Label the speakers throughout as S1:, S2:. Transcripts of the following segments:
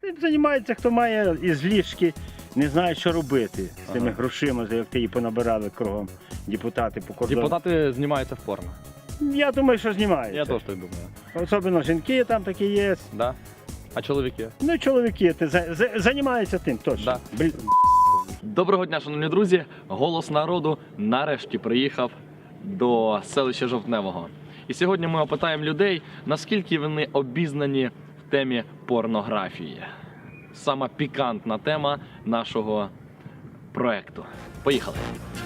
S1: Тим займається, хто має із ліжки, не знає, що робити з тими грошима, як ти її понабирали кругом депутати по кордону.
S2: Депутати знімаються в порно.
S1: Я думаю, що знімають.
S2: Я теж так думаю.
S1: Особливо жінки там такі є.
S2: Да? А чоловіки?
S1: Ну, чоловіки займаються тим точно.
S2: Да. Доброго дня, шановні друзі! Голос народу нарешті приїхав до селища Жовтневого. І сьогодні ми опитаємо людей, наскільки вони обізнані в темі порнографії. Сама пікантна тема нашого проекту. Поїхали!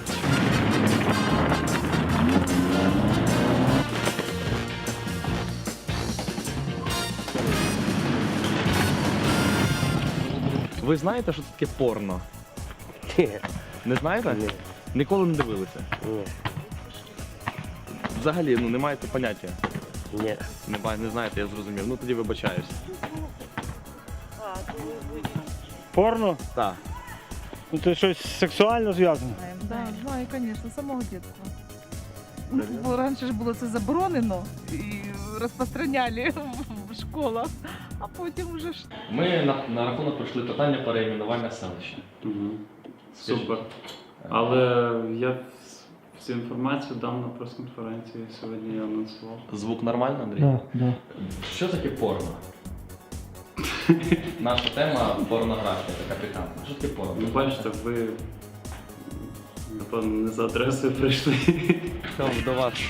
S2: Ви знаєте, що це таке порно?
S1: Ні.
S2: Не знаєте?
S1: Ні.
S2: Ніколи не дивилися?
S1: Ні.
S2: Взагалі, не маєте поняття?
S1: Ні.
S2: Не знаєте, я зрозумів. Ну тоді вибачаюсь.
S1: Порно?
S2: Так.
S1: Ну, це щось сексуально зв'язане?
S3: Да, знаю, звісно, з самого дитинства. Бо раніше ж було це заборонено і розпространяли в школах, а потім вже ж.
S2: Ми на рахунок пройшли питання перейменування селища.
S4: Угу.
S2: Скажіть.
S4: Супер. Але я всю інформацію дам на прес-конференції сьогодні, я анонсував.
S2: Звук нормально, Андрій?
S1: Да.
S2: Що таке порно? Наша тема порнографія, така пікантна. Що таке порно?
S4: Ну, бачите, ви, напевно, не за адресою прийшли.
S2: Що до вас?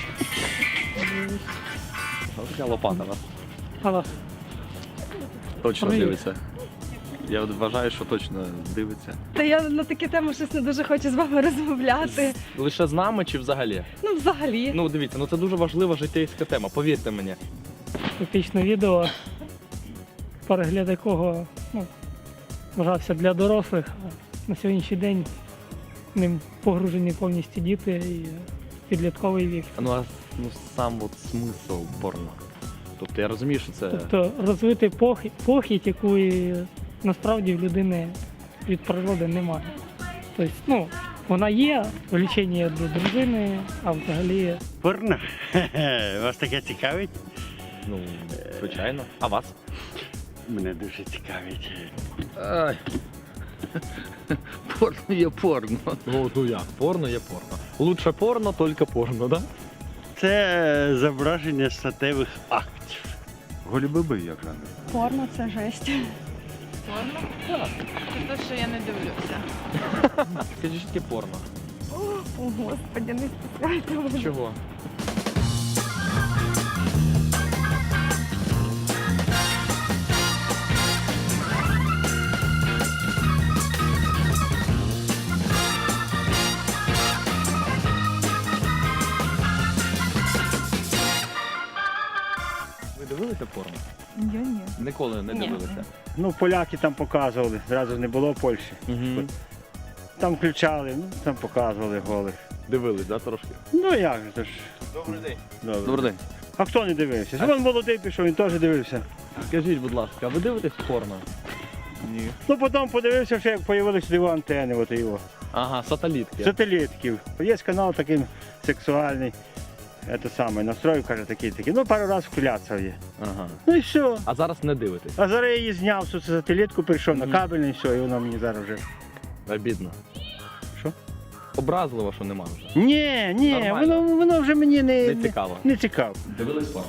S2: Ось така лопата вас.
S1: Алло.
S2: Точно
S1: Привіт.
S2: дивиться. Я вважаю, що точно дивиться.
S5: Та я на такі теми щось не дуже хочу з вами розмовляти.
S2: Лише з нами чи взагалі?
S5: Ну, взагалі.
S2: Ну дивіться, це дуже важлива життєйська тема, повірте мені.
S6: Епічне відео, перегляд якого вважався для дорослих, а на сьогоднішній день ним погружені повністю діти і підлітковий вік.
S2: Ну а сам смисл порно. Тобто я розумію, що це.
S6: Тобто розвити похідь, якої насправді в людини від природи немає. Тобто, вона є, влечення до дружини, а взагалі
S1: Порно? Вас таке цікавить?
S2: Ну, звичайно. А вас?
S1: Мене дуже цікавить.
S2: Ай. Порно є порно. Ну як? Порно є порно. Лучше порно, тільки порно, да?
S1: Це зображення статевих актів.
S7: Голі-биби як жанр.
S5: Порно це жесть.
S3: Порно? Це те, що я не дивлюся.
S2: Скажіть, що таке порно?
S5: О, Господи, не спускайте мене.
S2: Чого? Ви дивилися порно?
S3: Я ні.
S2: Ніколи не
S5: Ні.
S2: дивилися.
S1: Ну, поляки там показували, зразу не було Польщі.
S2: Угу.
S1: Там включали, там показували голих.
S2: Дивились, да, трошки?
S1: Ну як же то ж.
S2: Добрий день.
S1: Добре.
S2: Добрий день.
S1: А хто не дивився? Вон молодий пішов, він теж дивився.
S2: Скажіть, будь ласка, а ви дивитесь порно? Ні.
S1: Ну потім подивився, що як з'явилися його антени, от його.
S2: Ага, сателітки.
S1: Сателітків. Є канал такий сексуальний. Це саме, настрою, каже, такий. Ну, пару разів вкляцав є.
S2: Ага.
S1: Ну і все.
S2: А зараз не дивитесь?
S1: А зараз я її зняв, цю сателітку, прийшов
S2: Мгм.
S1: на кабельний, і все, і вона мені зараз вже.
S2: Обідно.
S1: Що?
S2: Образливо, що нема вже.
S1: Ні,
S2: Нормально.
S1: воно вже мені
S2: Не цікаво.
S1: не цікаво.
S2: Дивились порно?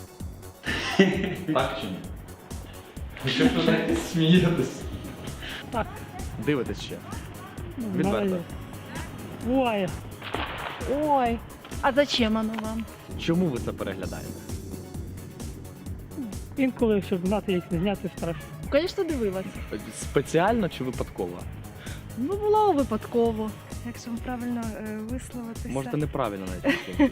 S2: Так чи ні? Що ж ви так смієтесь?
S6: так,
S2: Дивитесь ще. Відверто.
S6: буває. Буває.
S5: Ой, а зачем воно вам?
S2: Чому ви це переглядаєте?
S6: Інколи, щоб знати, як не зняти страшно.
S5: Звісно, дивилася.
S2: Спеціально чи випадково?
S5: Ну, було випадково. Якщо правильно висловитися.
S2: Можете неправильно навіть.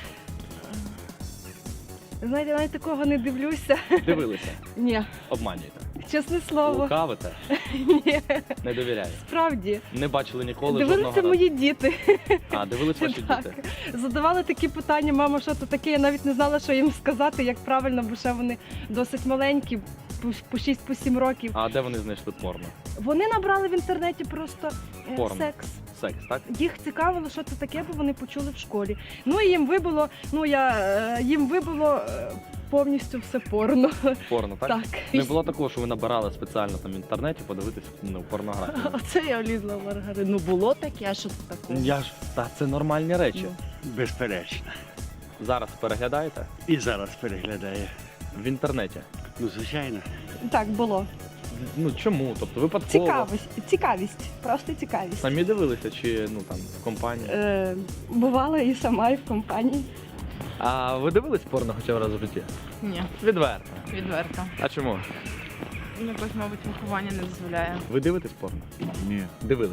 S5: Знаєте, навіть такого не дивлюся.
S2: Дивилися,
S5: Ні,
S2: обманюєте.
S5: чесне слово.
S2: Лукавите,
S5: Ні,
S2: не довіряєте.
S5: справді.
S2: Не бачили ніколи
S5: Дивилися
S2: жодного разу.
S5: мої діти.
S2: А, дивились ваші
S5: Так.
S2: діти.
S5: Задавали такі питання, мама, що це таке? Я навіть не знала, що їм сказати, як правильно, бо ще вони досить маленькі, по 6-7 років.
S2: А де вони знайшли порно?
S5: Вони набрали в інтернеті просто
S2: Порно.
S5: секс.
S2: Секс, так?
S5: Їх цікавило, що це таке, бо вони почули в школі. Ну і їм вибило повністю все порно.
S2: Порно, так?
S5: Так.
S2: Не було такого, що ви набирали спеціально там в інтернеті подивитись порнографію?
S8: Оце я влізла в маргарину. Ну було таке, а що це таке?
S2: Я ж, та це нормальні речі.
S1: Безперечно.
S2: Зараз переглядаєте
S1: І зараз переглядає.
S2: в інтернеті.
S1: Ну, звичайно.
S5: Так, було.
S2: Ну чому? Тобто випадково?
S5: Цікавість, просто цікавість.
S2: Самі дивилися чи ну там в компанії?
S5: Бувала і сама, і в компанії.
S2: А ви дивились порно хоча б раз в житті?
S8: Ні,
S2: Відверто.
S8: відверто.
S2: А чому?
S8: Ну, якось, мабуть, виховання не дозволяє.
S2: Ви дивитесь порно?
S7: Ні.
S2: Дивились.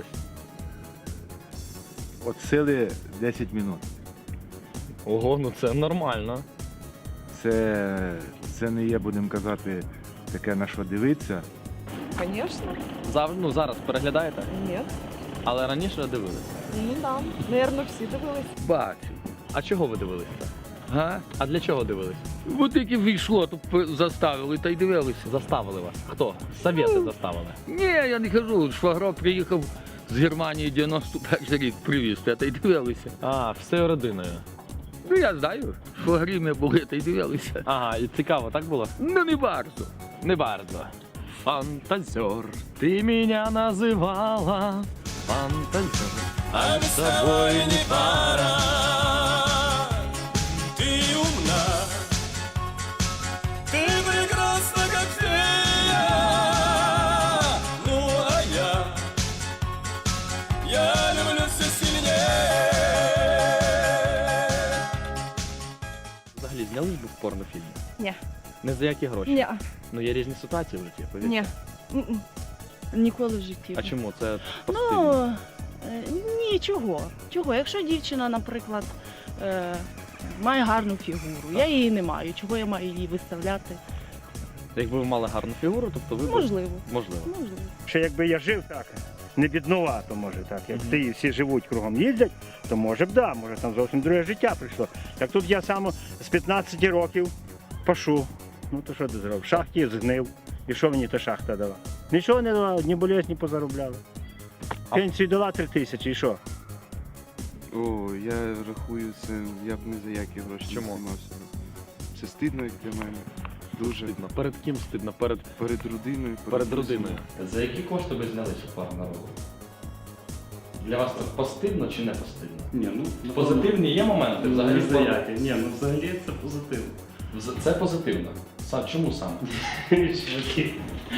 S7: От сили 10 минут.
S2: Ого, ну це нормально.
S7: Це не є, будемо казати, таке на що дивитися.
S5: Звісно,
S2: Ну, зараз переглядаєте,
S5: ні.
S2: але раніше дивилися.
S5: Ну да, наверно, всі дивились.
S9: Бачу.
S2: А чого ви дивилися?
S9: Га?
S2: А для чого дивились?
S9: От тільки війшло, то заставили та й дивилися.
S2: Заставили вас. Хто? Совєти заставили.
S9: Ні, я не кажу, швагро приїхав з Германії 91 рік привіз, та й дивилися.
S2: А, всею родиною.
S9: Ну я знаю, швагрі ми були, та й дивилися.
S2: Ага, і цікаво, так було?
S9: Ну не bardzo.
S2: Не bardzo. Фантазер, ти мене називала фантазер, а з собою не пара.
S10: Ты умна, ты прекрасна, как фея. Ну а я люблю все сильнее.
S2: Взагалі, знялись би в порнофільмі?
S5: Ні.
S2: Не за які гроші?
S5: Ні.
S2: Ну є різні ситуації в житті, повірте.
S5: Ні. М-м.
S8: Ніколи в житті.
S2: А чому? Це позитивно.
S8: Ну, ні, чого. Чого? Якщо дівчина, наприклад, має гарну фігуру, я її не маю. Чого я маю її виставляти?
S2: Якби ви мали гарну фігуру, тобто ви б-
S8: Можливо.
S2: Можливо.
S8: Можливо.
S1: Що якби я жив так, не біднувато, може так, як ти і всі живуть кругом їздять, то може б да, може там зовсім друге життя прийшло. Так тут я сам з 15 років пашу. Ну то що ти зробив? В шахті згнив. І що мені та шахта дала? Нічого не дала, ні болезні позаробляли. Пенсію дала 3 тисячі, і що?
S11: О, я рахую це, я б не за які гроші не
S2: Чому?
S11: займався. Це стидно, як для мене. Дуже.
S2: Стидно. Перед ким стидно? Перед
S11: Перед родиною.
S2: родиною. За які кошти ви знялися в порно? Для вас це постидно чи не постидно?
S4: Ні, ну
S2: Позитивні є моменти взагалі?
S4: не за які. Ні, ну взагалі це позитивно.
S2: Це позитивно. Чому саме?
S4: Чуваки.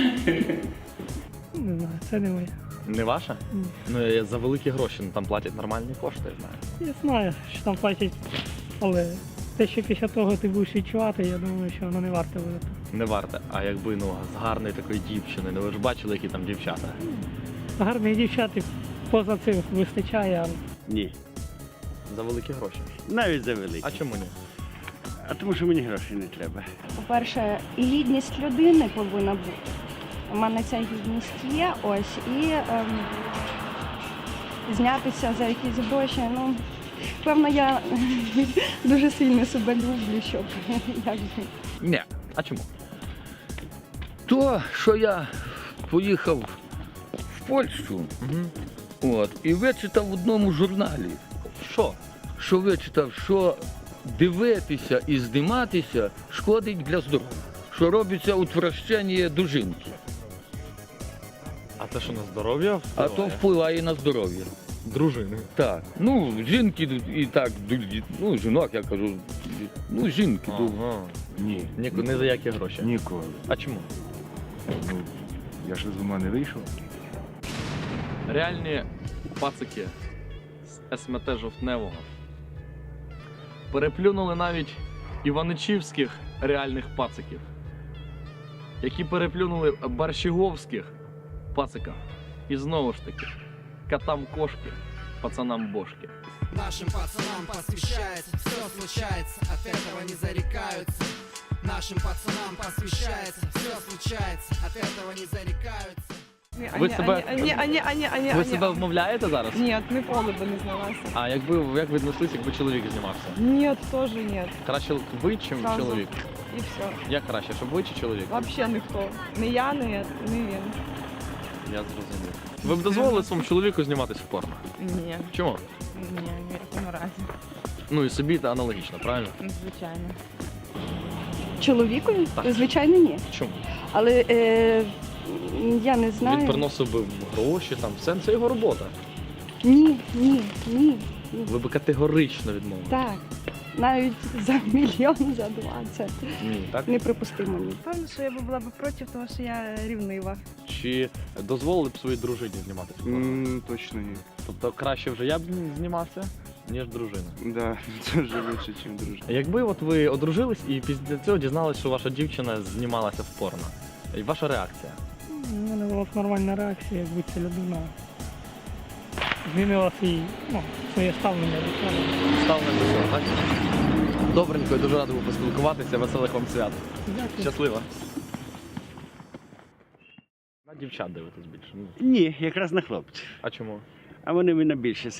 S6: Не знаю, це не моє.
S2: Не ваша?
S6: Ні.
S2: Ну за великі гроші, ну там платять нормальні кошти, я знаю.
S6: Я знаю, що там платять, але те, що після того ти будеш відчувати, я думаю, що воно не варто буде.
S2: Не варте. А якби ну з гарної такої дівчини, ну ви ж бачили, які там дівчата.
S6: Гарних дівчат і поза цим вистачає, але
S1: Ні.
S2: За великі гроші.
S1: Навіть за великі.
S2: А чому ні?
S1: А тому що мені грошей не треба.
S12: По-перше, і гідність людини повинна бути. У мене ця гідність є, ось, і знятися за якісь гроші, ну, певно, я дуже сильно себе люблю, щоб якби.
S9: Ні.
S2: А чому?
S9: То, що я поїхав в Польщу, от, і вичитав в одному журналі,
S2: Що?
S9: що вичитав, що дивитися і зніматися шкодить для здоров'я. Що робиться утвращення до жінки,
S2: А це що на здоров'я?
S9: а то впливає на здоров'я.
S2: дружини.
S9: Так. Ну, жінки і так, ну, жінок, я кажу, ну, жінки.
S2: Ага.
S7: Ні.
S2: Не за які гроші.
S7: Ніколи.
S2: А чому?
S7: Ну, я ж з ума не вийшов.
S2: Реальні пацики з СМТ Жовтневого переплюнули навіть іваничівських реальних пациків, які переплюнули барщиговських пацика. І знову ж таки, котам кошки, пацанам бошки.
S10: Нашим пацанам посвящается, все случается, от этого не зарекаются. Нашим пацанам посвящается, все случается, от этого не зарекаются.
S2: Ви себе-
S5: Ні.
S2: Ви себе вмовляєте зараз?
S5: Ні, ніколи би не знялася.
S2: А як віднеслись, якби чоловік знімався?
S5: Ні, теж ні.
S2: Краще ви, чим
S5: Зразу.
S2: чоловік?
S5: І все.
S2: Як краще, щоб ви чи чоловік?
S5: Взагалі ніхто. Не я, не він.
S2: Я зрозумів. Ви б дозволили своєму чоловіку зніматися в порно?
S8: Ні,
S2: Чому?
S8: ні, ні в якому разі.
S2: Ну і собі та аналогічно, правильно?
S8: Звичайно.
S12: Чоловікові?
S2: Так.
S12: Звичайно, ні.
S2: Чому?
S12: Але я не знаю.
S2: Він приносив би гроші, там, все, це його робота.
S12: Ні.
S2: Ви би категорично відмовили.
S12: Так. Навіть за мільйон, за 2. Це
S2: Ні, так?
S12: неприпустимо. Ні.
S5: Певно, що я би була б проти, тому що я рівнива.
S2: Чи дозволили б своїй дружині зніматися? в порно?
S11: Точно ні.
S2: Тобто краще вже я б знімався, ніж дружина.
S11: Да, це вже лучше, ніж дружина.
S2: Якби от ви одружились і після цього дізналися, що ваша дівчина знімалася в порно, і ваша реакція?
S6: У мене була б нормальна реакція, якби ця людина змінила своє ставлення до цього.
S2: Ставлення до цього, так? Добренько, я дуже радий був поспілкуватися. Веселих вам свят.
S6: Дякую.
S2: Щасливо. На дівчат дивитесь більше? Ну,
S1: Ні, якраз на хлопців.
S2: а чому?
S1: А вони мене більше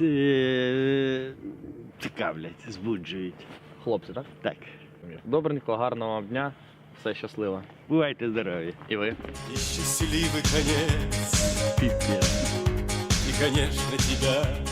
S1: цікавлять, збуджують.
S2: Хлопці, так?
S1: Так.
S2: Добренько, гарного вам дня. Все щасливо.
S1: Бувайте здорові.
S2: І ви.
S10: И счастливый конец,
S2: Піп'є.
S10: и, конечно, тебя